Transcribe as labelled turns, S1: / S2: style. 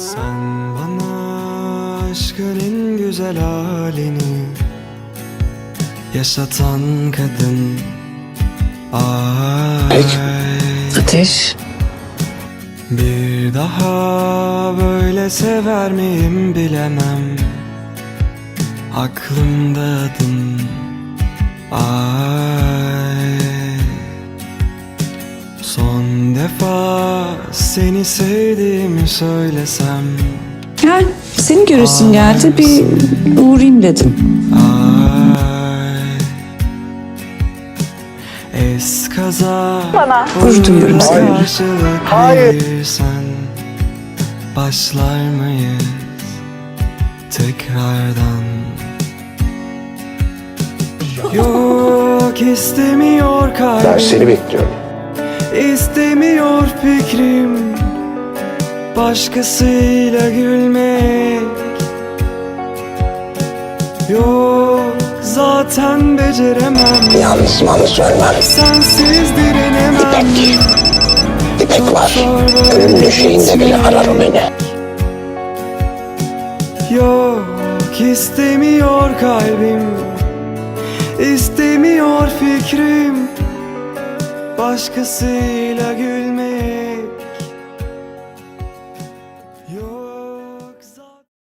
S1: Sen bana aşkın en güzel halini yaşatan kadın. Ay,
S2: Ateş.
S1: bir daha böyle sever miyim bilemem. Aklımda adın. Ay, son defa seni sevdiğimi söylesem.
S2: Gel, seni göresim geldi, bir uğrayayım dedim.
S1: Ay, eskaza
S2: Bana gurur duyuyorum seninle.
S1: karşılık verirsen başlar mıyız tekrardan? Yok, istemiyor kalbim.
S3: Ben seni bekliyorum.
S1: İstemiyor fikrim başkasıyla gülmek. Yok, zaten beceremem.
S3: Yalnız ölmem.
S1: Sensiz direnemem.
S3: İpek var.
S1: Zor böyle
S3: Ölüm döşeğinde bile
S1: gitmek.
S3: arar o beni.
S1: Yok, istemiyor kalbim. İstemiyor fikrim başkasıyla gül